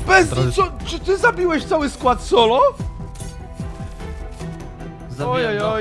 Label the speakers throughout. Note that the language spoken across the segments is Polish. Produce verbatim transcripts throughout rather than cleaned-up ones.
Speaker 1: Bez co? Czy ty zabiłeś cały skład solo?
Speaker 2: Zabiłem go.
Speaker 1: Ojej.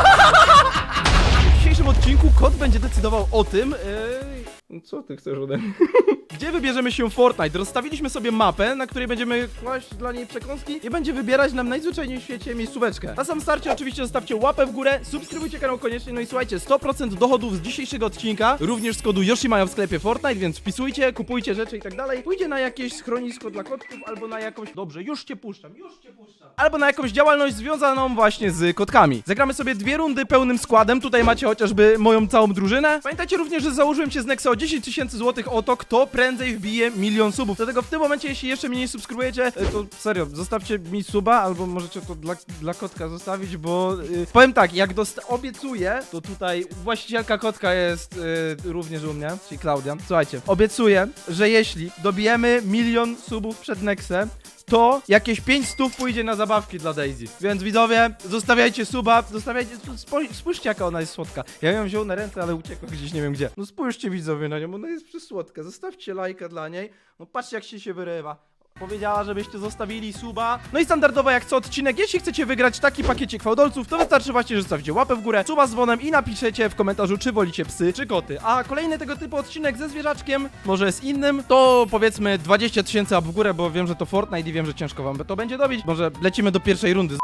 Speaker 1: W dzisiejszym odcinku kot będzie decydował o tym, yy... co ty chcesz ode mnie? Gdzie wybierzemy się w Fortnite? Rozstawiliśmy sobie mapę, na której będziemy kłaść dla niej przekąski i będzie wybierać nam najzwyczajniej w świecie miejscóweczkę. Na samym starcie oczywiście zostawcie łapę w górę, subskrybujcie kanał koniecznie, no i słuchajcie, sto procent dochodów z dzisiejszego odcinka, również z kodu Yoshimayo w sklepie Fortnite, więc wpisujcie, kupujcie rzeczy i tak dalej. Pójdzie na jakieś schronisko dla kotków, albo na jakąś... Dobrze, już cię puszczam, już cię puszczam. Albo na jakąś działalność związaną właśnie z kotkami. Zagramy sobie dwie rundy pełnym składem, tutaj macie chociażby moją całą drużynę. Pamiętajcie również, że założyłem się z Nexa o dziesięć tysięcy złotych o to, kto prędzej wbije milion subów. Dlatego w tym momencie, jeśli jeszcze mnie nie subskrybujecie, to serio, zostawcie mi suba, albo możecie to dla, dla kotka zostawić, bo yy, powiem tak, jak dosta- obiecuję, to tutaj właścicielka kotka jest yy, również u mnie, czyli Klaudia. Słuchajcie, obiecuję, że jeśli dobijemy milion subów przed Nexem, to jakieś pięć stów pójdzie na zabawki dla Daisy. Więc widzowie, zostawiajcie suba, zostawiajcie, spo- spójrzcie jaka ona jest słodka. Ja ją wziął na ręce, ale uciekła gdzieś nie wiem gdzie. No spójrzcie widzowie na nią, ona jest przysłodka. Zostawcie lajka dla niej. No patrzcie jak się się wyrywa. Powiedziała, żebyście zostawili suba. No i standardowo jak co odcinek, jeśli chcecie wygrać taki pakiecik fałdolców, to wystarczy właśnie, że zostawicie łapę w górę, suba z dzwonem i napiszecie w komentarzu, czy wolicie psy, czy koty. A kolejny tego typu odcinek ze zwierzaczkiem, może z innym, to powiedzmy dwadzieścia tysięcy łap w górę, bo wiem, że to Fortnite i wiem, że ciężko wam to będzie dobić. Może lecimy do pierwszej rundy.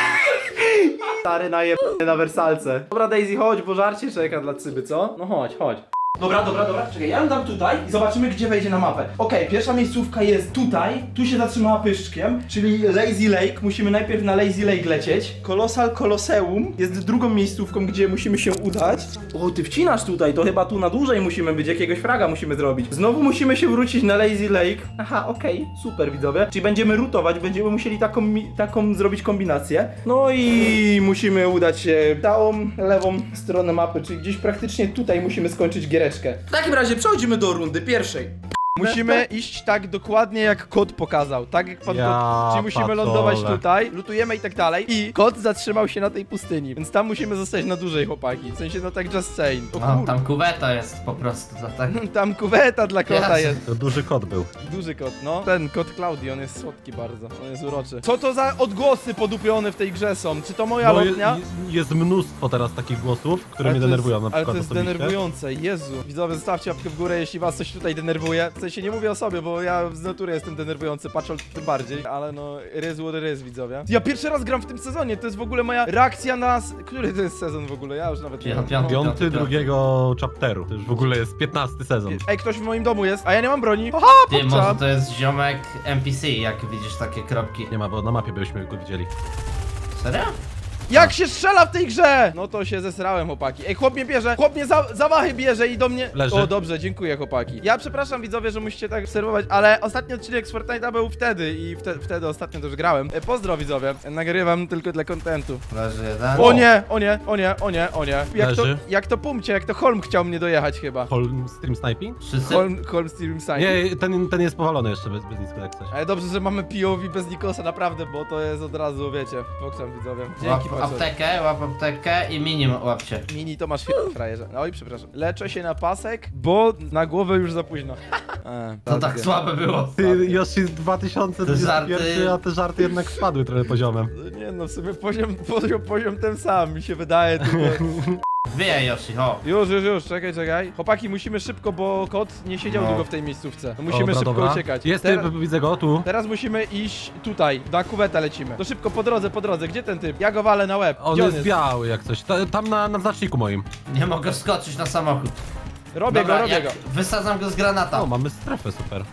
Speaker 1: Stary najebany na wersalce. Dobra Daisy, chodź, bo żarcie czeka dla cyby, co? No chodź, chodź. Dobra, dobra, dobra, czekaj, ja ją dam tutaj i zobaczymy, gdzie wejdzie na mapę. Okej, okay, pierwsza miejscówka jest tutaj, tu się zatrzymała pyszczkiem, czyli Lazy Lake, musimy najpierw na Lazy Lake lecieć. Colossal Colosseum jest drugą miejscówką, gdzie musimy się udać. O, ty wcinasz tutaj, to chyba tu na dłużej musimy być, jakiegoś fraga musimy zrobić. Znowu musimy się wrócić na Lazy Lake. Aha, okej, okay, super widzowie. Czyli będziemy rutować, będziemy musieli taką, taką zrobić kombinację. No i musimy udać się całą lewą stronę mapy, czyli gdzieś praktycznie tutaj musimy skończyć giereczkę. W takim razie przechodzimy do rundy pierwszej. Musimy iść tak dokładnie jak kot pokazał, tak jak pan
Speaker 3: Ja
Speaker 1: kot, czyli musimy
Speaker 3: patole.
Speaker 1: lądować tutaj, lutujemy i tak dalej i kot zatrzymał się na tej pustyni, więc tam musimy zostać na dłużej chłopaki, w sensie no tak just saying. O
Speaker 2: No,
Speaker 1: kur...
Speaker 2: tam kuweta jest po prostu, to tak.
Speaker 1: tam kuweta dla kota
Speaker 2: Jasne.
Speaker 1: jest.
Speaker 3: To duży kot był.
Speaker 1: Duży kot, no. Ten kot Klaudii, on jest słodki bardzo, on jest uroczy. Co to za odgłosy podupione w tej grze są? Czy to moja
Speaker 3: No, je,
Speaker 1: lotnia?
Speaker 3: jest mnóstwo teraz takich głosów, które
Speaker 1: Ale
Speaker 3: mnie
Speaker 1: to jest-
Speaker 3: denerwują na
Speaker 1: Ale
Speaker 3: przykład
Speaker 1: to jest
Speaker 3: osobiście.
Speaker 1: denerwujące, Jezu. Widzowie, zostawcie łapkę w górę, jeśli was coś tutaj denerwuje. W sensie nie mówię o sobie, bo ja z natury jestem denerwujący, patrząc tym bardziej, ale no, it is what it is, widzowie. Ja pierwszy raz gram w tym sezonie, to jest w ogóle moja reakcja na... s- Który to jest sezon w ogóle? Ja już nawet nie
Speaker 2: Pią-
Speaker 1: wiem.
Speaker 2: piąty.
Speaker 1: No.
Speaker 3: Piąty drugiego chapteru. To już w ogóle jest piętnasty sezon.
Speaker 1: Ej, ktoś w moim domu jest, a ja nie mam broni. Haha,
Speaker 2: Ty, może
Speaker 1: popczam.
Speaker 2: to jest ziomek N P C, jak widzisz takie kropki.
Speaker 3: Nie ma, bo na mapie byśmy go widzieli.
Speaker 2: Serio?
Speaker 1: Jak się strzela w tej grze? No to się zesrałem, chłopaki. Ej, chłop mnie bierze, chłop mnie za, zawachy bierze i do mnie...
Speaker 3: Leży.
Speaker 1: O, dobrze, dziękuję, chłopaki. Ja przepraszam, widzowie, że musicie tak obserwować, ale ostatni odcinek z Fortnite'a był wtedy i wte, wtedy ostatnio też grałem. E, pozdro, widzowie. Nagrywam tylko dla kontentu.
Speaker 2: Leży jeden.
Speaker 1: O nie, o nie, o nie, o nie, o nie. Jak to,
Speaker 3: Leży.
Speaker 1: jak to Pumcie, jak to Holm chciał mnie dojechać chyba.
Speaker 3: Holm Stream Sniping?
Speaker 2: Wszyscy?
Speaker 1: Holm, Holm Steam Sign.
Speaker 3: Nie, ten, ten jest powalony jeszcze bez, bez nic jak coś.
Speaker 1: Ale dobrze, że mamy P O V bez Nikosa, naprawdę, bo to jest od razu, wiecie, pokrzam, widzowie.
Speaker 2: Łap
Speaker 1: Dzięki, patrzę.
Speaker 2: aptekę, łap aptekę i minim łapcie.
Speaker 1: Mini to masz fi- frajerze. Oj, przepraszam. Leczę się na pasek, bo na głowę już za późno. E,
Speaker 2: To tak słabe było.
Speaker 3: Ty, Yoshi dwa tysiące dwudziesty pierwszy,
Speaker 2: żarty-
Speaker 3: a te żarty jednak spadły trochę poziomem.
Speaker 1: Nie no, w sumie poziom, poziom, poziom ten sam, mi się wydaje. Tylko...
Speaker 2: Wyjaj Yoshi, ho.
Speaker 1: Już, już, już, czekaj, czekaj. Chłopaki, musimy szybko, bo kot nie siedział
Speaker 2: No.
Speaker 1: długo w tej miejscówce. No, musimy
Speaker 3: Dobra,
Speaker 1: szybko
Speaker 3: dobra.
Speaker 1: uciekać.
Speaker 3: Jest,
Speaker 1: Teraz,
Speaker 3: ty, widzę go, tu.
Speaker 1: teraz musimy iść tutaj, na kuwetę lecimy. To szybko, po drodze, po drodze. Gdzie ten typ? Ja go walę na łeb.
Speaker 3: On
Speaker 1: Gdzie
Speaker 3: jest biały jak coś. Ta, tam na, na znaczniku moim.
Speaker 2: Nie mogę skoczyć na samochód.
Speaker 1: Robię
Speaker 2: Dobra,
Speaker 1: go, robię
Speaker 2: jak
Speaker 1: go.
Speaker 2: wysadzam go z granata.
Speaker 3: O, mamy strefę super.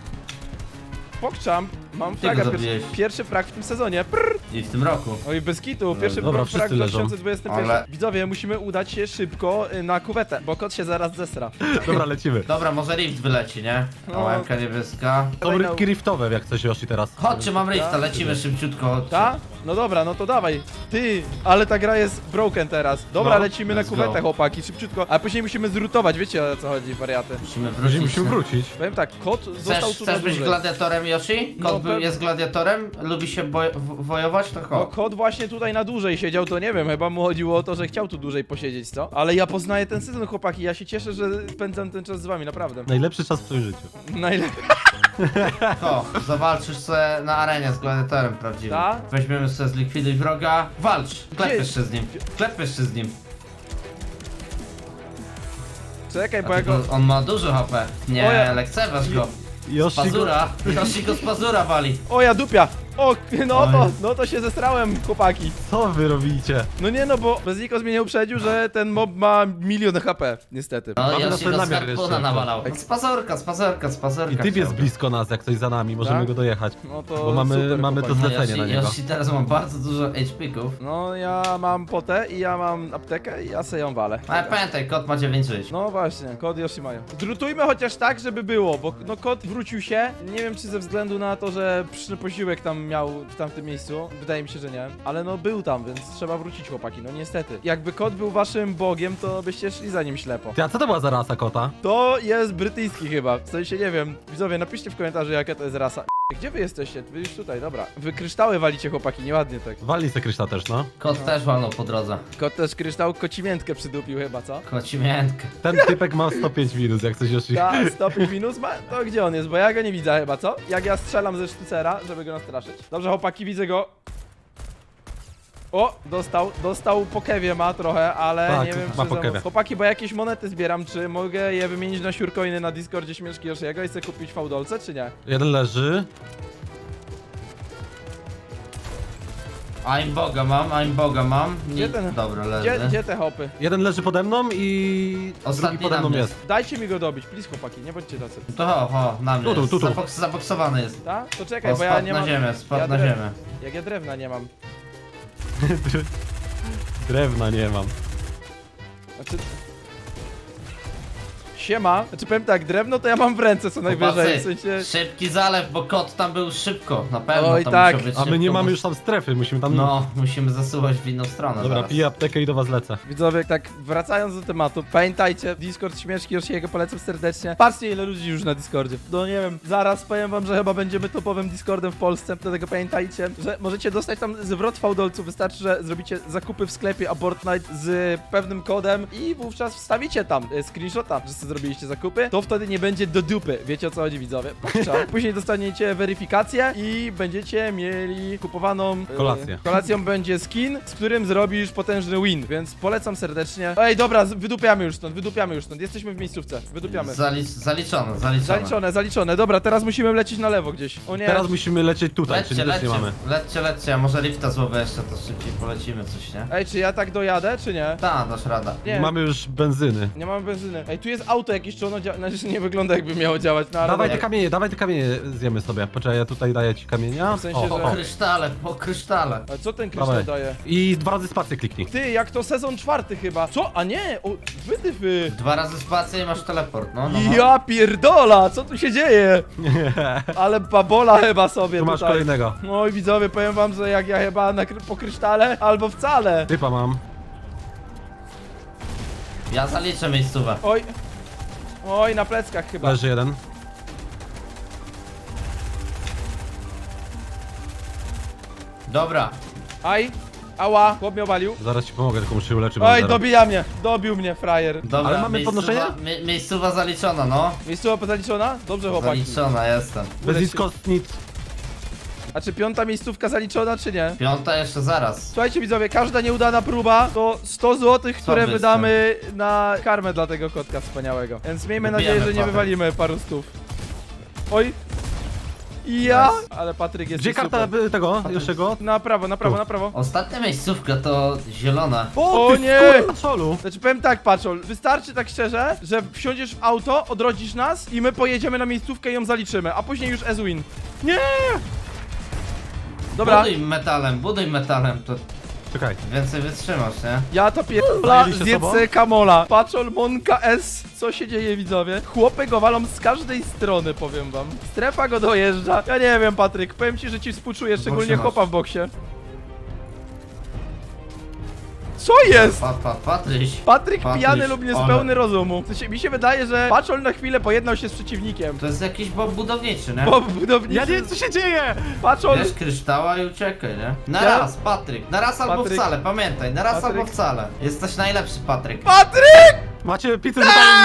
Speaker 1: Pokczam, mam
Speaker 2: Ty
Speaker 1: fraga,
Speaker 2: go
Speaker 1: pierwszy,
Speaker 2: zabiłeś.
Speaker 1: pierwszy frag w tym sezonie. Prrr.
Speaker 2: I w tym roku.
Speaker 1: Oj, bez kitu, pierwszy
Speaker 3: Dobra,
Speaker 1: frag
Speaker 3: wszyscy
Speaker 1: w
Speaker 3: leżą.
Speaker 1: dwa tysiące dwudziestym pierwszym.
Speaker 2: Ale-
Speaker 1: Widzowie, musimy udać się szybko y, na kuwetę, bo kot się zaraz zesra.
Speaker 3: Dobra, lecimy.
Speaker 2: Dobra, może rift wyleci, nie?
Speaker 1: No.
Speaker 2: O, łemka niebieska.
Speaker 3: Są rybki riftowe jak coś Yoshi teraz.
Speaker 2: Chodźcie, mam rifta, lecimy szybciutko. chodźcie.
Speaker 1: Ta? No dobra, no to dawaj. Ty, ale ta gra jest broken teraz. Dobra,
Speaker 2: No,
Speaker 1: lecimy na
Speaker 2: let's
Speaker 1: kuwetę,
Speaker 2: go.
Speaker 1: chłopaki, szybciutko. A później musimy zrutować, wiecie o co chodzi, wariaty.
Speaker 2: Musimy
Speaker 3: Musimy,
Speaker 2: wrócić.
Speaker 3: musimy wrócić.
Speaker 1: Powiem tak, kot został
Speaker 2: Chcesz,
Speaker 1: tu na
Speaker 2: chcesz być
Speaker 1: dłużej.
Speaker 2: gladiatorem, Yoshi? Kot
Speaker 1: No,
Speaker 2: był,
Speaker 1: pe-
Speaker 2: jest gladiatorem? Lubi się boj- w- wojować? To
Speaker 1: No
Speaker 2: chodź.
Speaker 1: kot właśnie tutaj na dłużej siedział, to nie wiem, chyba mu chodziło o to, że chciał tu dłużej posiedzieć, co? Ale ja poznaję ten sezon, chłopaki, ja się cieszę, że spędzam ten czas z wami, naprawdę.
Speaker 3: Najlepszy czas w twoim życiu.
Speaker 1: Najlepiej.
Speaker 2: To, zawalczysz sobie na arenie z gladiatorem prawdziwym.
Speaker 1: Ta?
Speaker 2: Weźmiemy sobie zlikwiduj wroga. Walcz! Klep
Speaker 1: Gdzie?
Speaker 2: jeszcze z nim. Klep jeszcze z nim.
Speaker 1: Czekaj, bo
Speaker 2: A
Speaker 1: ja go...
Speaker 2: tylko on ma dużo H P.
Speaker 1: O
Speaker 2: Nie,
Speaker 1: ja-
Speaker 2: lekceważ go. Z
Speaker 3: Yoshi go...
Speaker 2: pazura. Yoshi go z pazura wali.
Speaker 1: O, ja dupia! O, no
Speaker 2: Oj.
Speaker 1: to, no to się zestrałem, chłopaki.
Speaker 3: Co wy robicie?
Speaker 1: No nie no, bo Beznikos mnie nie uprzedził, że ten mob ma milion H P, niestety.
Speaker 2: No
Speaker 3: Mamy
Speaker 2: Yoshi
Speaker 3: następny
Speaker 2: go z
Speaker 3: namiar
Speaker 2: harpuna
Speaker 3: jeszcze.
Speaker 2: nawalał. Z pazurka, z pazurka, z pazurka.
Speaker 3: I typ jest
Speaker 2: chciałby.
Speaker 3: blisko nas, jak coś za nami, możemy
Speaker 1: Tak?
Speaker 3: go dojechać.
Speaker 1: No to
Speaker 3: Bo mamy,
Speaker 1: super,
Speaker 3: mamy to
Speaker 1: chłopaki.
Speaker 2: No
Speaker 3: zlecenie na
Speaker 2: Yoshi,
Speaker 3: niego.
Speaker 2: Yoshi teraz ma bardzo dużo H P-ków.
Speaker 1: No ja mam potę i ja mam aptekę i ja se ją walę.
Speaker 2: Ale pamiętaj, kot ma dziewięć żyć.
Speaker 1: No właśnie, kod Yoshi mają. Drutujmy chociaż tak, żeby było, bo no kod wrócił się. Nie wiem czy ze względu na to, że pyszny posiłek tam miał w tamtym miejscu. Wydaje mi się, że nie. Ale no był tam, więc trzeba wrócić, chłopaki, no niestety. Jakby kod był waszym bogiem, to byście szli za nim ślepo.
Speaker 3: Ty, a co to była za rasa kota?
Speaker 1: To jest brytyjski chyba. W sensie nie wiem. Widzowie, napiszcie w komentarzu jaka to jest rasa. Gdzie wy jesteście? Wy już tutaj, dobra. Wy kryształy walicie, chłopaki, nieładnie tak.
Speaker 3: Walnij se kryształ też, no.
Speaker 2: Kot też walnął po drodze.
Speaker 1: Kot też kryształ kocimiętkę przydupił chyba, co?
Speaker 2: Koci miętkę.
Speaker 3: Ten typek ma sto pięć minus, jak coś Yoshi.
Speaker 1: Ta, stopień minus ma? To gdzie on jest? Bo ja go nie widzę chyba, co? Jak ja strzelam ze sztucera, żeby go nastraszyć. Dobrze, chłopaki, widzę go. O, dostał, dostał po kewie ma trochę, ale
Speaker 3: Tak,
Speaker 1: nie wiem
Speaker 3: ma
Speaker 1: czy
Speaker 3: po
Speaker 1: za-
Speaker 3: kewie.
Speaker 1: Chłopaki, bo jakieś monety zbieram, czy mogę je wymienić na siurcoiny na Discordzie Śmieszki Yoshiego i sobie kupić fałdolce, czy nie?
Speaker 3: Jeden leży.
Speaker 2: I'm boga mam, I'm boga mam.
Speaker 1: Gdzie
Speaker 2: Nie-
Speaker 1: ten-
Speaker 2: Dobra, leży.
Speaker 1: Gdzie, gdzie te hopy?
Speaker 3: Jeden leży pode mną i
Speaker 2: Ostatni
Speaker 3: drugi pode
Speaker 2: na
Speaker 3: mną
Speaker 2: mnie.
Speaker 3: jest.
Speaker 1: Dajcie mi go dobić, please chłopaki, nie bądźcie tacy.
Speaker 2: To ho, ho, na mnie
Speaker 3: Tu, tu,
Speaker 2: jest.
Speaker 3: tu, tu.
Speaker 2: Zaboks, zaboksowany jest.
Speaker 1: Tak? To czekaj,
Speaker 2: O,
Speaker 1: bo ja
Speaker 2: spadł
Speaker 1: nie
Speaker 2: na
Speaker 1: mam...
Speaker 2: ziemię, spadł
Speaker 1: ja
Speaker 2: na
Speaker 1: drew-
Speaker 2: ziemię.
Speaker 1: Jak ja drewna nie mam.
Speaker 3: Drewna nie mam.
Speaker 1: Znaczy... Siema. Znaczy powiem tak, drewno to ja mam w ręce co najwyżej, w
Speaker 2: Chłopacy,
Speaker 1: sensie...
Speaker 2: szybki zalew, bo kot tam był szybko, na pewno
Speaker 1: Oj,
Speaker 2: tam
Speaker 1: tak.
Speaker 2: musiał być
Speaker 3: A my
Speaker 2: szybko,
Speaker 3: nie mamy
Speaker 2: bo-
Speaker 3: już tam strefy, musimy tam...
Speaker 2: No, musimy zasuwać w inną stronę
Speaker 3: Dobra,
Speaker 2: zaraz.
Speaker 3: piję aptekę i do was lecę.
Speaker 1: Widzowie, tak wracając do tematu, pamiętajcie, Discord Śmieszki Yoshiego polecam serdecznie. Patrzcie ile ludzi już na Discordzie. No nie wiem, zaraz powiem wam, że chyba będziemy topowym Discordem w Polsce, dlatego pamiętajcie, że możecie dostać tam zwrot fałdolców, wystarczy, że zrobicie zakupy w sklepie Abort Night z pewnym kodem i wówczas wstawicie tam e, screenshota, że sobie zrobiliście zakupy, to wtedy nie będzie do dupy. Wiecie o co chodzi, widzowie? Puszcza. Później dostaniecie weryfikację i będziecie mieli kupowaną... e,
Speaker 3: Kolację.
Speaker 1: Kolacją będzie skin, z którym zrobisz potężny win, więc polecam serdecznie. Ej, dobra, z- wydupiamy już stąd, wydupiamy już stąd. Jesteśmy w miejscówce, wydupiamy.
Speaker 2: Zalicz, zaliczone, zaliczone.
Speaker 1: Zaliczone, zaliczone. Dobra, teraz musimy lecieć na lewo gdzieś. O nie.
Speaker 3: Teraz musimy lecieć tutaj,
Speaker 2: Lećcie,
Speaker 3: czyli też nie
Speaker 2: lećcie,
Speaker 3: mamy.
Speaker 2: lećcie, lećcie, a może lifta złowy jeszcze, to szybciej polecimy coś, nie?
Speaker 1: Ej, czy ja tak dojadę, czy nie?
Speaker 2: Ta, dasz rada.
Speaker 1: Nie.
Speaker 3: Mamy już benzyny.
Speaker 1: Nie mamy benzyny. Ej, tu jest auto jakieś, czy ono działa? Znaczy, nie wygląda jakby miało działać, no ale...
Speaker 3: Dawaj te
Speaker 1: dobra.
Speaker 3: kamienie, dawaj te kamienie zjemy sobie. Poczekaj, ja tutaj daję ci kamienia.
Speaker 1: W sensie,
Speaker 3: o,
Speaker 1: że-
Speaker 3: o,
Speaker 2: Po
Speaker 3: o.
Speaker 2: krysztale, po krysztale.
Speaker 1: Ale co ten kryształ
Speaker 3: Dawaj.
Speaker 1: daje?
Speaker 3: I dwa razy spację kliknij.
Speaker 1: Ty, jak to sezon czwarty chyba. Co? A nie! O, wydyfy!
Speaker 2: Dwa razy spację i masz teleport, no, no, no.
Speaker 1: Ja pierdola! Co tu się dzieje? Ale babola chyba sobie
Speaker 3: Tu masz
Speaker 1: tutaj.
Speaker 3: kolejnego.
Speaker 1: Oj widzowie, powiem wam, że jak ja chyba na, kry- po krysztale, albo wcale.
Speaker 3: Typa mam.
Speaker 2: Ja zaliczę miejscówę.
Speaker 1: Oj. Oj, na pleckach chyba.
Speaker 3: Leży jeden.
Speaker 2: Dobra.
Speaker 1: Aj. Ała, chłop mnie obalił.
Speaker 3: Zaraz ci pomogę, tylko muszę się uleczyć.
Speaker 1: Oj,
Speaker 3: zero.
Speaker 1: dobija mnie. Dobił mnie, frajer.
Speaker 2: Dobra,
Speaker 3: Ale mamy
Speaker 2: miejscowa-
Speaker 3: podnoszenie?
Speaker 2: Mi, miejscowa zaliczona, no.
Speaker 1: Miejscowa zaliczona? Dobrze, chłopaki.
Speaker 2: Zaliczona, jestem.
Speaker 3: Bez nic, nic.
Speaker 1: A czy piąta miejscówka zaliczona, czy nie?
Speaker 2: Piąta jeszcze zaraz.
Speaker 1: Słuchajcie widzowie, każda nieudana próba to sto złotych, które
Speaker 2: wy
Speaker 1: wydamy na karmę dla tego kotka wspaniałego. Więc miejmy
Speaker 2: Wybijamy
Speaker 1: nadzieję, że nie
Speaker 2: Patryk.
Speaker 1: wywalimy paru stów. Oj. Ja?
Speaker 2: Nice.
Speaker 1: Ale Patryk jest
Speaker 3: Gdzie karta
Speaker 1: super.
Speaker 3: y, tego, Josiego?
Speaker 1: Na prawo, na prawo,
Speaker 3: Tu.
Speaker 1: na prawo.
Speaker 2: Ostatnia miejscówka to zielona.
Speaker 1: O
Speaker 3: ty
Speaker 1: nie!
Speaker 3: Patrzolu.
Speaker 1: Znaczy powiem tak, Paczol, wystarczy tak szczerze, że wsiądziesz w auto, odrodzisz nas i my pojedziemy na miejscówkę i ją zaliczymy, a później już as win.
Speaker 3: Nie!
Speaker 1: Dobra,
Speaker 2: Buduj metalem, buduj metalem, to
Speaker 3: Czekaj.
Speaker 2: więcej wytrzymasz, nie?
Speaker 1: ja to pierdolę,
Speaker 3: Zajęli się
Speaker 1: zjedz
Speaker 3: sobą?
Speaker 1: sobie Kamola. Paczol, Monka S, co się dzieje widzowie? Chłopy go walą z każdej strony, powiem wam. Strefa go dojeżdża. Ja nie wiem, Patryk, powiem ci, że ci współczuję, szczególnie
Speaker 2: masz.
Speaker 1: chłopa w boksie. Co jest?
Speaker 2: Pa, pa, Patryś.
Speaker 1: Patryk
Speaker 2: Patryś,
Speaker 1: pijany lub
Speaker 2: ale-
Speaker 1: niespełny rozumu. W sensie, mi się wydaje, że Paczol na chwilę pojednał się z przeciwnikiem.
Speaker 2: To jest jakiś bob budowniczy, nie?
Speaker 1: Bo budowniczy...
Speaker 3: Ja nie wiem co się dzieje!
Speaker 1: Paczol...
Speaker 2: Bierz kryształa i uciekaj, nie? Na
Speaker 1: Ja-
Speaker 2: raz, Patryk. Na raz albo
Speaker 1: Patryk.
Speaker 2: wcale, pamiętaj. Na raz
Speaker 1: Patryk.
Speaker 2: albo wcale. Jesteś najlepszy, Patryk.
Speaker 1: Patryk!
Speaker 3: Macie pizzę tak!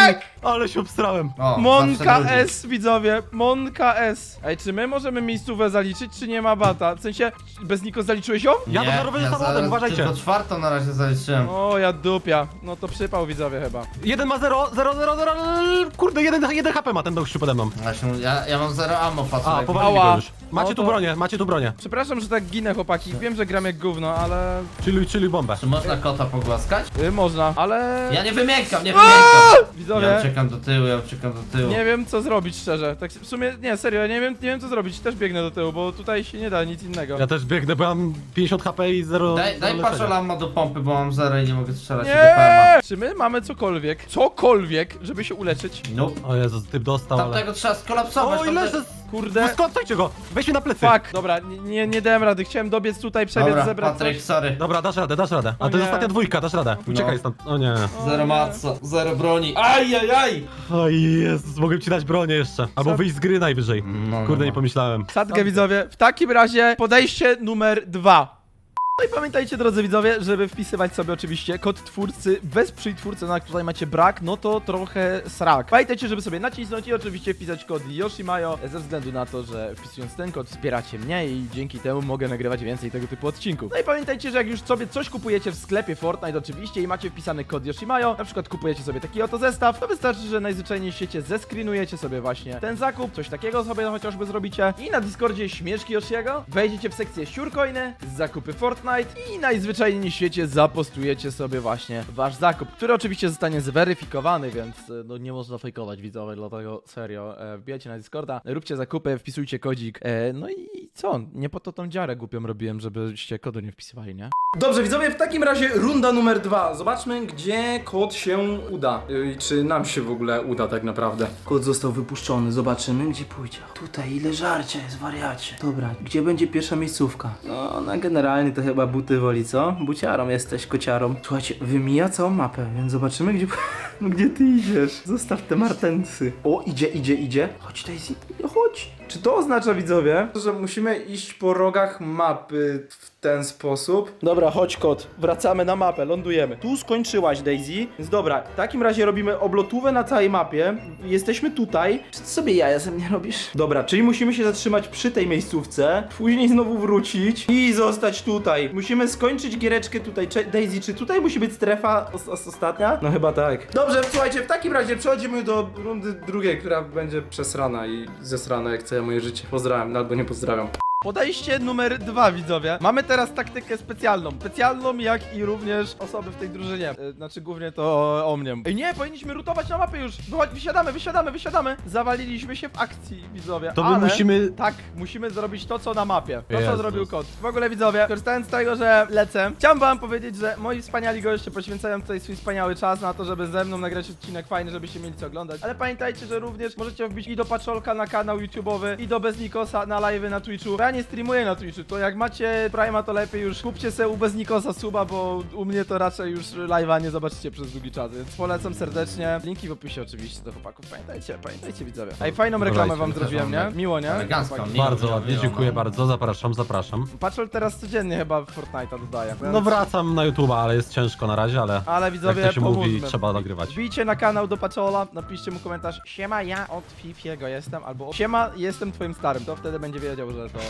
Speaker 3: Ale się obstrałem.
Speaker 2: O,
Speaker 1: Monka
Speaker 2: zawsze drugi.
Speaker 1: S, widzowie, Monka S. Ej, czy my możemy miejscówę zaliczyć, czy nie ma bata? W sensie, bez Niko zaliczyłeś ją?
Speaker 3: Ja to zarobię samochodem,
Speaker 2: zaraz
Speaker 3: uważajcie.
Speaker 2: Tylko czwartą na razie zaliczyłem.
Speaker 1: O, ja dupia. No to przypał, widzowie, chyba.
Speaker 3: Jeden ma zero, zero, zero, zero, kurde, jeden, jeden H P ma ten gościu pode mną.
Speaker 2: Właśnie, ja, ja mam zero ammo, patrz.
Speaker 3: A,
Speaker 2: jak-
Speaker 3: powalili
Speaker 1: Ała.
Speaker 3: go już. Macie
Speaker 1: No
Speaker 3: tu
Speaker 1: to-
Speaker 3: bronię, macie tu bronię.
Speaker 1: Przepraszam, że tak ginę, chłopaki. Wiem, że gram jak gówno, ale...
Speaker 3: Chilluj, chilluj bombę.
Speaker 2: Czy można kota pogłaskać?
Speaker 1: Y, można, ale...
Speaker 2: Ja nie wymiękam, nie wymiękam.
Speaker 1: Widzowie,
Speaker 2: Ja uciekam do tyłu, ja uciekam do tyłu.
Speaker 1: nie wiem co zrobić, szczerze. Tak w sumie, nie, serio, ja nie wiem, nie wiem co zrobić. Też biegnę do tyłu, bo tutaj się nie da nic innego.
Speaker 3: Ja też biegnę, bo mam pięćdziesiąt H P i zero.
Speaker 2: Daj, daj
Speaker 3: zero
Speaker 2: patrzę ammo do pompy, bo mam zero i nie mogę strzelać do
Speaker 1: Nie!
Speaker 2: P M
Speaker 1: Czy my mamy cokolwiek, cokolwiek, żeby się uleczyć?
Speaker 2: A. Nope.
Speaker 3: O Jezus, typ dostał, ale...
Speaker 2: Tamtego trzeba skolapsować.
Speaker 3: O,
Speaker 2: tamte-
Speaker 3: ile ze...
Speaker 1: Kurde.
Speaker 3: Skądajcie go! Weź mnie na plecy!
Speaker 1: Fuck, dobra, nie, nie, nie dałem rady. Chciałem dobiec tutaj, przebiec,
Speaker 2: Dobra,
Speaker 1: zebrać
Speaker 2: Patryk,
Speaker 1: coś.
Speaker 2: sorry.
Speaker 3: Dobra, dasz radę, dasz radę. A
Speaker 1: O
Speaker 3: to jest
Speaker 1: nie.
Speaker 3: ostatnia dwójka, dasz radę. Uciekaj
Speaker 2: No.
Speaker 3: stąd. O nie.
Speaker 1: O
Speaker 2: Zero
Speaker 1: nie.
Speaker 2: matca, zero broni. Aj, aj, aj!
Speaker 3: O Jezus, mogłem ci dać bronię jeszcze. Albo
Speaker 1: Co?
Speaker 3: wyjść z gry najwyżej.
Speaker 2: No,
Speaker 3: Kurde,
Speaker 2: no,
Speaker 3: nie
Speaker 2: no.
Speaker 3: pomyślałem.
Speaker 1: Sadkę, widzowie. W takim razie podejście numer dwa. No i pamiętajcie, drodzy widzowie, żeby wpisywać sobie oczywiście kod twórcy, wesprzyj twórcę, na tutaj macie brak, no to trochę srak. Pamiętajcie, żeby sobie nacisnąć i oczywiście wpisać kod Yoshimayo, ze względu na to, że wpisując ten kod wspieracie mnie i dzięki temu mogę nagrywać więcej tego typu odcinków. No i pamiętajcie, że jak już sobie coś kupujecie w sklepie Fortnite oczywiście i macie wpisany kod Yoshimayo, na przykład kupujecie sobie taki oto zestaw, to wystarczy, że najzwyczajniej w świecie zescreenujecie sobie właśnie ten zakup, coś takiego sobie chociażby zrobicie i na Discordzie Śmieszki Yoshiego wejdziecie w sekcję Siurcoiny, zakupy Fortnite i najzwyczajniej w świecie zapostujecie sobie właśnie wasz zakup, który oczywiście zostanie zweryfikowany, więc e, no nie można fejkować, widzowie, dlatego serio, e, wbijajcie na Discorda, róbcie zakupy, wpisujcie kodzik, e, no i co, nie po to tą dziarę głupią robiłem, żebyście kodu nie wpisywali, nie? Dobrze, widzowie, w takim razie runda numer dwa. Zobaczmy, gdzie kod się uda. I czy nam się w ogóle uda tak naprawdę. Kod został wypuszczony, zobaczymy, gdzie pójdzie. Tutaj, ile żarcia jest, wariacie. Dobra, gdzie będzie pierwsza miejscówka? No, na generalnie to chyba buty woli, co? Buciarą jesteś, kociarą. Słuchajcie, wymija całą mapę, więc zobaczymy, gdzie, no, gdzie ty idziesz. Zostaw te martensy. O, idzie, idzie, idzie. Chodź, Daisy, chodź. Czy to oznacza, widzowie, że musimy iść po rogach mapy w ten sposób? Dobra, chodź kot, wracamy na mapę, lądujemy. Tu skończyłaś, Daisy, więc dobra, w takim razie robimy oblotówę na całej mapie. Jesteśmy tutaj. Czy ty sobie jaja ze mnie robisz? Dobra, czyli musimy się zatrzymać przy tej miejscówce, później znowu wrócić i zostać tutaj. Musimy skończyć giereczkę tutaj. Cze Daisy, czy tutaj musi być strefa os os ostatnia? No chyba tak. Dobrze, słuchajcie, w takim razie przechodzimy do rundy drugiej, która będzie przesrana i zesrana jak całe moje życie. Pozdrawiam, albo nie pozdrawiam. Podejście numer dwa, widzowie. Mamy teraz taktykę specjalną. Specjalną, jak i również osoby w tej drużynie. E, Znaczy, głównie to o, o mnie. Ej, nie, powinniśmy rutować na mapę już. Wychodź, wysiadamy, wysiadamy, wysiadamy. Zawaliliśmy się w akcji, widzowie.
Speaker 3: To my
Speaker 1: ale...
Speaker 3: musimy...
Speaker 1: Tak, musimy zrobić to, co na mapie. To, co
Speaker 3: Jezus.
Speaker 1: zrobił kot. W ogóle, widzowie, korzystając z tego, że lecę, chciałem wam powiedzieć, że moi wspaniali goście poświęcają tutaj swój wspaniały czas na to, żeby ze mną nagrać odcinek fajny, żebyście mieli co oglądać. Ale pamiętajcie, że również możecie wbić i do Paczolka na kanał YouTube'owy, i do Beznikosa na live'y na Twitchu. Bo ja nie streamuję na Twitchu, to jak macie Prima, to lepiej już kupcie sobie u Beznikosa suba, bo u mnie to raczej już live'a nie zobaczycie przez długi czas, więc polecam serdecznie. Linki w opisie oczywiście do chłopaków. Pamiętajcie, pamiętajcie, widzowie. Ej, fajną reklamę wam
Speaker 2: Też
Speaker 1: zrobiłem, nie?
Speaker 2: mam
Speaker 1: Miło, nie?
Speaker 2: elegancką,
Speaker 1: Chłopaki.
Speaker 2: miło,
Speaker 3: Bardzo
Speaker 2: miło,
Speaker 3: ładnie,
Speaker 2: miło,
Speaker 3: dziękuję
Speaker 2: no.
Speaker 3: bardzo, zapraszam, zapraszam.
Speaker 1: Patrol teraz codziennie chyba w Fortnite'a dodaje.
Speaker 3: No wracam na YouTube'a, ale jest ciężko na razie, ale
Speaker 1: Ale
Speaker 3: jak
Speaker 1: widzowie,
Speaker 3: to się mówi,
Speaker 1: pomóżmy.
Speaker 3: trzeba nagrywać.
Speaker 1: Wbijcie na kanał do Paczola, napiszcie mu komentarz: siema, ja od Fifiego jestem, albo siema, jestem twoim starym, to wtedy będzie wiedział, że to...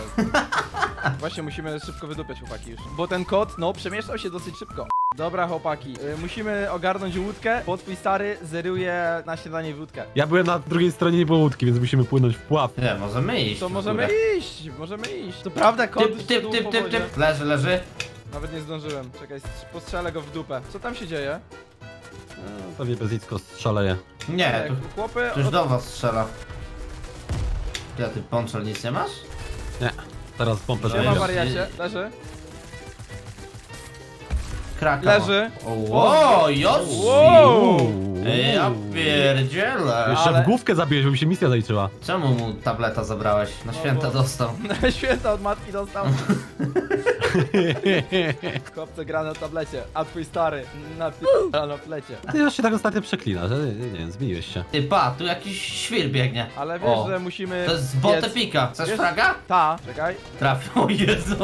Speaker 1: Właśnie musimy szybko wydupiać, chłopaki, już. Bo ten kot, no, przemieszczał się dosyć szybko. Dobra, chłopaki, y, musimy ogarnąć łódkę, bo twój stary zeruje na śniadanie łódkę.
Speaker 3: Ja byłem na drugiej stronie, nie było łódki, więc musimy płynąć w pław.
Speaker 2: Nie, możemy iść.
Speaker 1: To
Speaker 2: w
Speaker 1: możemy
Speaker 2: górę.
Speaker 1: iść, możemy iść. To prawda, kot
Speaker 2: Typ, typ,
Speaker 1: szedł
Speaker 2: typ,
Speaker 1: po
Speaker 2: typ,
Speaker 1: wodzie.
Speaker 2: typ. Leży, leży.
Speaker 1: Nawet nie zdążyłem. Czekaj, postrzelę go w dupę. Co tam się dzieje?
Speaker 3: No, pewnie bez nic szaleje.
Speaker 2: Nie,
Speaker 1: E,
Speaker 2: tu,
Speaker 1: Chłopy...
Speaker 2: tu już
Speaker 1: od-
Speaker 2: do was strzela. Ja ty ponczol nic nie masz?
Speaker 3: Nie, teraz pompę
Speaker 2: Siema,
Speaker 1: Siema,
Speaker 3: daję.
Speaker 1: wariacie, leży.
Speaker 2: Kraka.
Speaker 1: Leży.
Speaker 2: O, Josi!
Speaker 1: Wow!
Speaker 2: Ej, ja pierdzielę.
Speaker 3: Jeszcze
Speaker 1: Ale-
Speaker 3: w główkę zabiłeś, bo mi się misja zaliczyła.
Speaker 2: Czemu mu tableta zabrałeś? Na święta
Speaker 1: bo-
Speaker 2: dostał.
Speaker 1: Na święta od matki dostał. Chłopcze gra na tablecie, a twój stary na pi- na plecie.
Speaker 3: Ty już się tak ostatnio przeklina, że nie, nie wiem, zmieniłeś się.
Speaker 2: Ty pa, tu jakiś świr biegnie.
Speaker 1: Ale wiesz,
Speaker 2: O,
Speaker 1: że musimy...
Speaker 2: to jest z botę
Speaker 1: biec-
Speaker 2: pika. Chcesz
Speaker 1: Wiesz-
Speaker 2: fraga?
Speaker 1: Ta, czekaj,
Speaker 2: Trafił, o Jezu.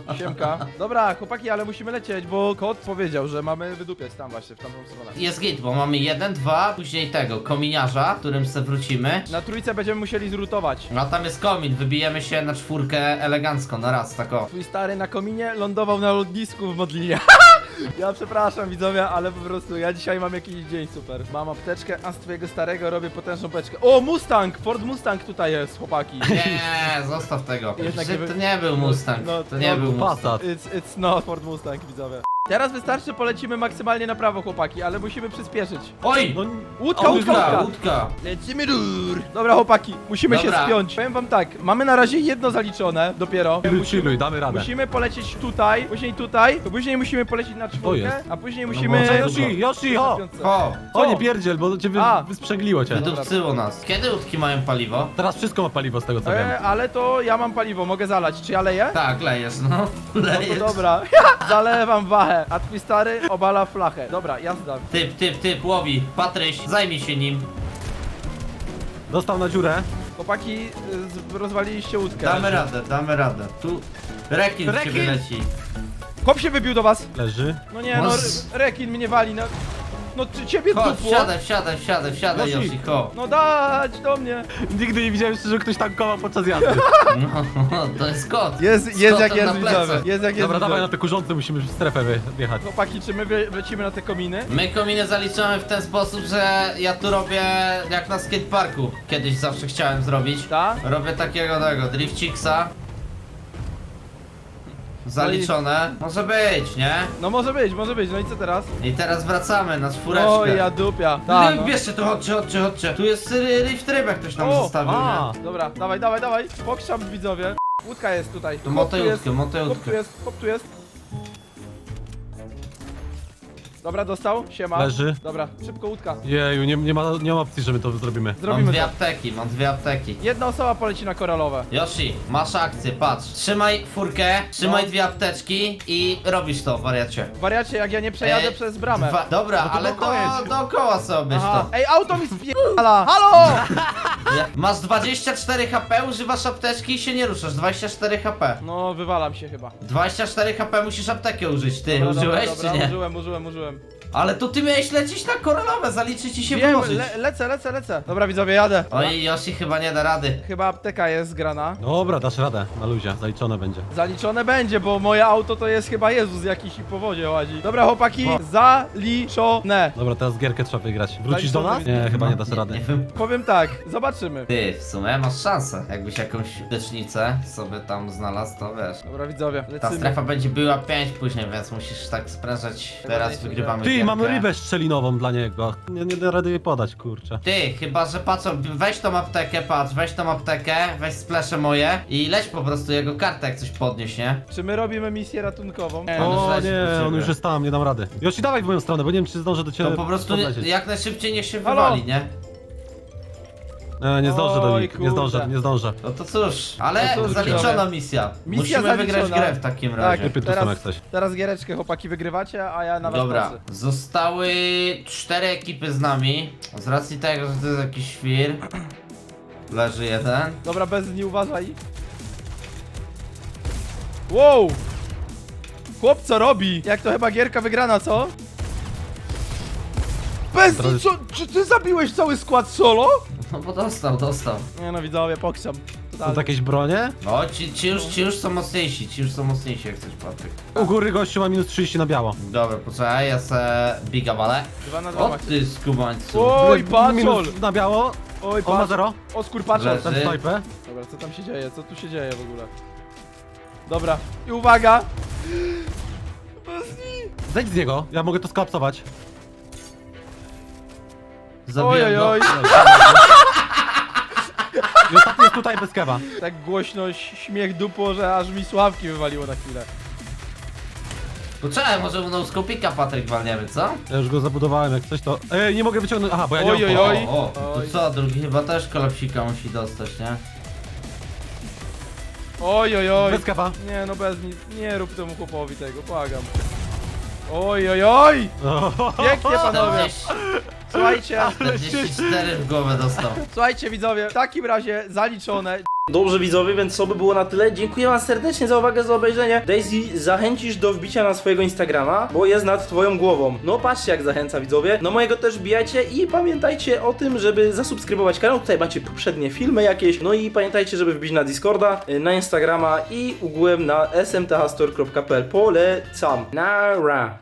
Speaker 1: siemka. Dobra, chłopaki, ale musimy lecieć, bo kot powiedział, że mamy wydupiać tam właśnie, w tamtą stronę.
Speaker 2: Jest git, bo mamy jeden, dwa, później tego, kominiarza, którym se wrócimy.
Speaker 1: Na trójce będziemy musieli zrutować.
Speaker 2: No a tam jest komin, wybijemy się na czwórkę elegancko, na raz, tak o.
Speaker 1: Twój stary na kominie lądował na lotnisku w Modlinie. Ja przepraszam widzowie, ale po prostu ja dzisiaj mam jakiś dzień super. Mam apteczkę, a z twojego starego robię potężną beczkę. O, Mustang! Ford Mustang tutaj jest, chłopaki.
Speaker 2: Nie, zostaw tego.
Speaker 1: Jednak
Speaker 2: Że
Speaker 1: nie
Speaker 2: to
Speaker 1: wy-
Speaker 2: nie był Mustang,
Speaker 1: No,
Speaker 2: to nie
Speaker 1: no,
Speaker 2: był Mustang.
Speaker 3: Passat.
Speaker 1: It's, it's not Ford Mustang, widzowie. Teraz wystarczy, polecimy maksymalnie na prawo, chłopaki, ale musimy przyspieszyć.
Speaker 2: Oj!
Speaker 3: No,
Speaker 1: Łódka,
Speaker 3: O,
Speaker 1: łódka,
Speaker 2: Łódka,
Speaker 1: łódka!
Speaker 2: łódka.
Speaker 1: Lecimy dur! Dobra, chłopaki, musimy
Speaker 2: Dobra.
Speaker 1: się spiąć. Powiem wam tak, mamy na razie jedno zaliczone, dopiero.
Speaker 3: chilluj, chilluj, damy radę.
Speaker 1: Musimy polecieć tutaj, później tutaj, później musimy polecieć na czwórkę,
Speaker 3: jest?
Speaker 1: a później
Speaker 2: No
Speaker 1: musimy...
Speaker 2: może
Speaker 3: Yoshi, Yoshi, o!
Speaker 2: O,
Speaker 3: O,
Speaker 1: Co?
Speaker 3: nie pierdziel, bo cię wy,
Speaker 1: A.
Speaker 3: wysprzęgliło cię.
Speaker 2: wydupcyło nas. Kiedy łódki mają paliwo?
Speaker 3: Teraz wszystko ma paliwo z tego co wiem.
Speaker 1: E, ale to ja mam paliwo, mogę zalać. Czy ja leję?
Speaker 2: Tak, lejesz, no.
Speaker 1: No to
Speaker 2: Lejesz.
Speaker 1: dobra, zalewam wachę, a twój stary obala flachę. Dobra, jazda.
Speaker 2: Typ, typ, typ, łowi. Patryś, zajmij się nim.
Speaker 3: Dostał na dziurę.
Speaker 1: Chłopaki, y, z- rozwaliliście łódkę.
Speaker 2: Damy radę, damy radę. Tu rekin,
Speaker 3: Rekin?
Speaker 2: ciebie leci.
Speaker 1: Chłop się wybił do was.
Speaker 3: Leży.
Speaker 1: No nie, no,
Speaker 2: Mas-
Speaker 1: re- rekin mnie wali, no. No czy ciebie
Speaker 2: Chodź,
Speaker 1: dupło?
Speaker 2: wsiadaj, wsiadaj, wsiadaj, wsiadaj,
Speaker 3: Yoshi.
Speaker 2: Yoshi, ho.
Speaker 1: No dać do mnie.
Speaker 3: Nigdy nie widziałem jeszcze, że ktoś tankował podczas jazdy.
Speaker 2: No, to jest kot.
Speaker 1: Jest,
Speaker 2: Z
Speaker 1: jest jak
Speaker 2: kotem
Speaker 1: jest,
Speaker 2: na plecach.
Speaker 1: widzowie. Jest jak jest,
Speaker 3: Dobra, dawaj na
Speaker 1: widzowie.
Speaker 3: te kurzące, musimy w strefę wy- wjechać.
Speaker 1: Chłopaki, czy my wy- lecimy na te kominy?
Speaker 2: My kominy zaliczamy w ten sposób, że ja tu robię jak na skateparku. Kiedyś zawsze chciałem zrobić.
Speaker 1: Ta?
Speaker 2: Robię takiego tego, drifciksa. Zaliczone. Może być, nie?
Speaker 1: No może być, może być, no i co teraz?
Speaker 2: I teraz wracamy na czwóreczkę.
Speaker 1: O, ja dupia. Ta,
Speaker 2: No.
Speaker 1: no.
Speaker 2: Bierzcie tu, chodźcie, chodźcie, chodźcie. Tu jest ry- rift rybek, ktoś nam
Speaker 1: O,
Speaker 2: zostawił,
Speaker 3: a.
Speaker 2: nie?
Speaker 1: Dobra, dawaj, dawaj, dawaj. Pokrzam widzowie. Łódka jest tutaj.
Speaker 2: Tu
Speaker 1: Chłop tu jest.
Speaker 2: motylutkę,
Speaker 1: Chłop tu
Speaker 2: motylutkę.
Speaker 1: jest, chłop tu jest. Dobra, dostał? Siema.
Speaker 3: Leży.
Speaker 1: Dobra, szybko łódka.
Speaker 3: Jeju, nie, nie, ma, nie ma opcji, że my to zrobimy.
Speaker 2: Mam
Speaker 1: Zrobimy
Speaker 2: dwie
Speaker 1: to.
Speaker 2: apteki, mam dwie apteki.
Speaker 1: Jedna osoba poleci na koralowe.
Speaker 2: Yoshi, masz akcję, patrz. Trzymaj furkę, trzymaj
Speaker 1: No.
Speaker 2: dwie apteczki i robisz to, wariacie.
Speaker 1: Wariacie, jak ja nie przejadę
Speaker 2: E,
Speaker 1: przez bramę.
Speaker 2: Dwa, dobra,
Speaker 3: No to
Speaker 2: ale
Speaker 3: dookoła
Speaker 2: to
Speaker 3: jedź.
Speaker 2: dookoła sobie
Speaker 1: Aha.
Speaker 2: to.
Speaker 1: Ej, auto mi spierdala! Halo!
Speaker 2: Ja- Masz dwadzieścia cztery H P, używasz apteczki i się nie ruszasz. dwadzieścia cztery H P.
Speaker 1: No, wywalam się chyba.
Speaker 2: dwadzieścia cztery H P musisz aptekę użyć, ty.
Speaker 1: Dobra,
Speaker 2: Użyłeś
Speaker 1: dobra, dobra,
Speaker 2: czy nie?
Speaker 1: Użyłem, użyłem, użyłem.
Speaker 2: Ale to ty miałeś lecieć na koralowe, zaliczy ci się
Speaker 1: Wiem,
Speaker 2: wyłożyć.
Speaker 1: le lecę, lecę, lecę. Dobra, widzowie, jadę.
Speaker 2: Oj, Yoshi chyba nie da rady.
Speaker 1: Chyba apteka jest zgrana.
Speaker 3: Dobra, dasz radę, na luzie, zaliczone będzie.
Speaker 1: Zaliczone będzie, bo moje auto to jest chyba Jezus jakiś i po wodzie łazi. Dobra, chłopaki,
Speaker 3: O.
Speaker 1: zaliczone.
Speaker 3: Dobra, teraz gierkę trzeba wygrać. Wrócisz do nas?
Speaker 1: Zaliczone.
Speaker 3: Nie, chyba nie dasz
Speaker 2: Nie,
Speaker 3: rady.
Speaker 2: nie wiem.
Speaker 1: Powiem tak, zobaczymy.
Speaker 2: Ty, w sumie masz szansę. Jakbyś jakąś lecznicę sobie tam znalazł, to wiesz.
Speaker 1: Dobra, widzowie,
Speaker 2: Ta
Speaker 1: lecimy.
Speaker 2: strefa będzie była pięć później, więc musisz tak sprężać. Teraz
Speaker 1: najszybciej.
Speaker 2: wygrywamy
Speaker 3: Ty,
Speaker 2: gierkę.
Speaker 3: mamy rybę szczelinową dla niego. Nie, nie da rady jej podać, kurczę.
Speaker 2: Ty, chyba że patrz, weź tą aptekę, patrz, weź tą aptekę, weź splesze moje i leć po prostu jego kartę, jak coś podnieś, nie?
Speaker 1: Czy my robimy misję ratunkową?
Speaker 2: Nie. On już
Speaker 3: O
Speaker 2: leci do
Speaker 3: nie,
Speaker 2: ciebie.
Speaker 3: on już jest tam, nie dam rady. Yoshi, dawaj w moją stronę, bo nie wiem, czy zdążę do ciebie
Speaker 2: To po prostu nie,
Speaker 3: podlecieć.
Speaker 2: jak najszybciej niech się
Speaker 1: Halo?
Speaker 2: wywali, nie?
Speaker 3: Nie, nie zdążę do
Speaker 1: Oj,
Speaker 3: nich, nie
Speaker 1: kurde.
Speaker 3: zdążę, nie zdążę.
Speaker 2: No to cóż, ale
Speaker 1: No cóż,
Speaker 2: zaliczona
Speaker 1: widzowie.
Speaker 2: misja.
Speaker 1: Misja
Speaker 2: Musimy wygrać
Speaker 1: zaliczona.
Speaker 2: grę w takim
Speaker 1: Tak,
Speaker 2: razie.
Speaker 3: Lepiej tu są jak coś.
Speaker 1: teraz giereczkę chłopaki wygrywacie, a ja na was
Speaker 2: Dobra,
Speaker 1: patrzę.
Speaker 2: zostały cztery ekipy z nami. Z racji tego, że to jest jakiś świr. Leży jeden.
Speaker 1: Dobra, bez nie uważaj. Wow! Chłop co robi? Jak to chyba gierka wygrana, co? Bez
Speaker 3: Teraz-
Speaker 1: co? Czy ty zabiłeś cały skład solo?
Speaker 2: No bo dostał, dostał.
Speaker 1: Nie no widzowie, pokrzam.
Speaker 3: Są
Speaker 1: Totalnie.
Speaker 3: jakieś bronie?
Speaker 2: No, ci, ci, już, ci już są mocniejsi, ci już są mocniejsi, jak chcesz, Patryk.
Speaker 3: U góry gościu ma minus trzydzieści na biało.
Speaker 2: Dobra, poczekaj, ja se biga walę.
Speaker 1: Dwa na dwa
Speaker 2: O
Speaker 1: macie.
Speaker 2: ty skubańcu.
Speaker 1: Oj, patrzol!
Speaker 3: Minus na biało.
Speaker 1: Oj,
Speaker 3: On ma
Speaker 1: patrz.
Speaker 3: zero.
Speaker 1: O, skurpaczol.
Speaker 2: Leży.
Speaker 3: Ten snajpę.
Speaker 1: Dobra, co tam się dzieje? Co tu się dzieje w ogóle? Dobra, i uwaga!
Speaker 3: Zejdź z niego, ja mogę to skolapsować.
Speaker 1: Oj,
Speaker 2: Zabiłem
Speaker 1: oj,
Speaker 2: go.
Speaker 1: oj.
Speaker 3: I ostatni jest tutaj bez kewa.
Speaker 1: Tak głośno śmiech dupło, że aż mi sławki wywaliło na chwilę.
Speaker 2: Poczekaj, może u noskopika Patryk walniemy, co?
Speaker 3: Ja już go zabudowałem, jak coś to... Ej, nie mogę wyciągnąć... Aha, bo ja nie
Speaker 1: Oj,
Speaker 3: mam
Speaker 1: oj,
Speaker 3: pola.
Speaker 1: oj.
Speaker 2: O, o, to
Speaker 1: Oj.
Speaker 2: co, drugi chyba też kolapsika musi dostać, nie?
Speaker 1: Oj, oj, oj.
Speaker 3: Bez kewa.
Speaker 1: Nie no, bez nic. Nie rób temu chłopowi tego, błagam. Oj, oj, oj! Pięknie panowie!
Speaker 2: czterdzieści,
Speaker 1: Słuchajcie,
Speaker 2: czterdzieści cztery w głowę dostał.
Speaker 1: słuchajcie widzowie, w takim razie zaliczone. Dobrze widzowie, więc to by było na tyle. Dziękuję wam serdecznie za uwagę, za obejrzenie. Daisy, zachęcisz do wbicia na swojego Instagrama, bo jest nad twoją głową. No patrzcie jak zachęca widzowie. No mojego też wbijajcie i pamiętajcie o tym, żeby zasubskrybować kanał. Tutaj macie poprzednie filmy jakieś. No i pamiętajcie, żeby wbić na Discorda, na Instagrama i ogółem na s m t h store kropka p l. Polecam. Nara.